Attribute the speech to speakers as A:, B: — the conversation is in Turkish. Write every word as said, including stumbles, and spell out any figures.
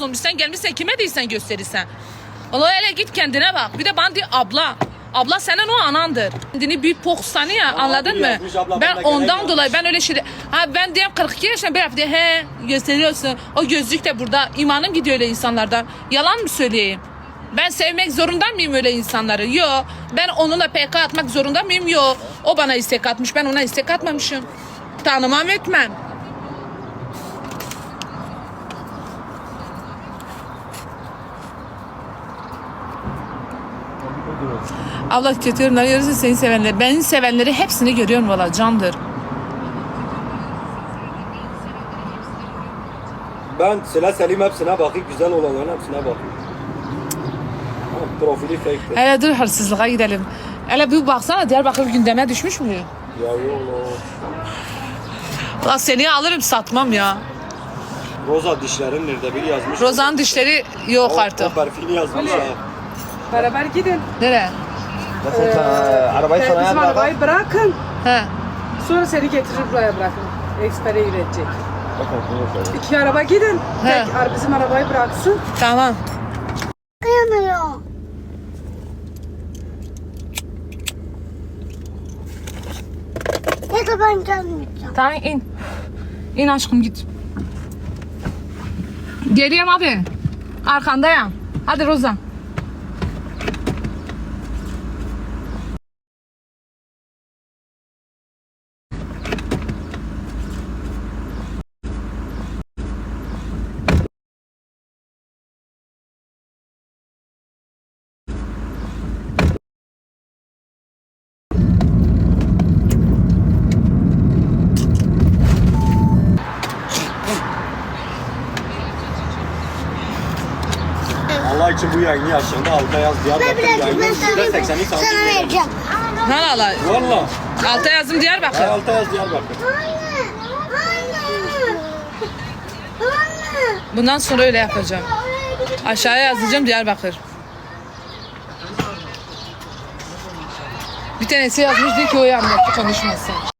A: olmuş. Sen gelmişsen kime değilsen gösterirsen. Allah hele git kendine bak. Bir de bana diyor abla. Abla senin o anandır. Kendini bir pok sanıyor ya, anladın mı?
B: yazmış, abla,
A: Ben
B: ben de
A: ondan
B: gerek
A: dolayı ben öyle şey... Ha ben diyeyim kırk iki yaşında bir hafta he gösteriyorsun. O gözlük de burada. İmanım gidiyor öyle insanlardan. Yalan mı söyleyeyim? Ben sevmek zorunda mıyım öyle insanları? Yok. Ben onunla P K atmak zorunda mıyım? Yok. O bana istek atmış. Ben ona istek atmamışım. Tanımam etmem. Allah kötü yorumları görürse seni sevenleri. Beni sevenleri hepsini görüyorum valla candır.
B: Ben Sıla Selim hepsine bakayım, güzel olanların hepsine bakayım. Ha, profili fake'tir.
A: Hele dur hırsızlığa gidelim. Hele bir baksana Diyarbakır gündeme düşmüş mü?
B: Ya yok.
A: Ulan seni alırım satmam ya.
B: Roza dişlerin nerede biri yazmış.
A: Rozan'ın dişleri yok
B: O-
A: artık.
B: O perfili yazmış ha.
C: Beraber gidin.
A: Nereye?
D: Mesela sen arabayı
C: Bizim
D: sana bırak.
C: arabayı bırakın.
A: He.
C: Sonra seni getirir buraya bırakın. Ekspere üretecek. İki araba gidin.
A: He.
C: Tek ar- bizim arabayı bıraksın.
A: Tamam.
E: Kıyamıyor. Ne de ben gelmeyeceğim.
A: Tamam in. İn aşkım git. Geleyim hadi. Arkandayım. Hadi Rozan.
B: Allah için bu yayını yaşında alta yaz
E: Ben
B: Diyarbakır
E: bırakayım,
B: yayını
E: ben sana,
B: yüzde seksenlik
E: sana
B: santim.
E: vereceğim.
A: Ne ala?
B: Valla.
A: Alta yazdım Diyarbakır.
B: Ben alta yaz Diyarbakır.
E: Anne, anne, anne.
A: Bundan sonra öyle yapacağım. Aşağıya yazacağım Diyarbakır. Bir tanesi yazmış diyor ki o yanlış konuşmasın.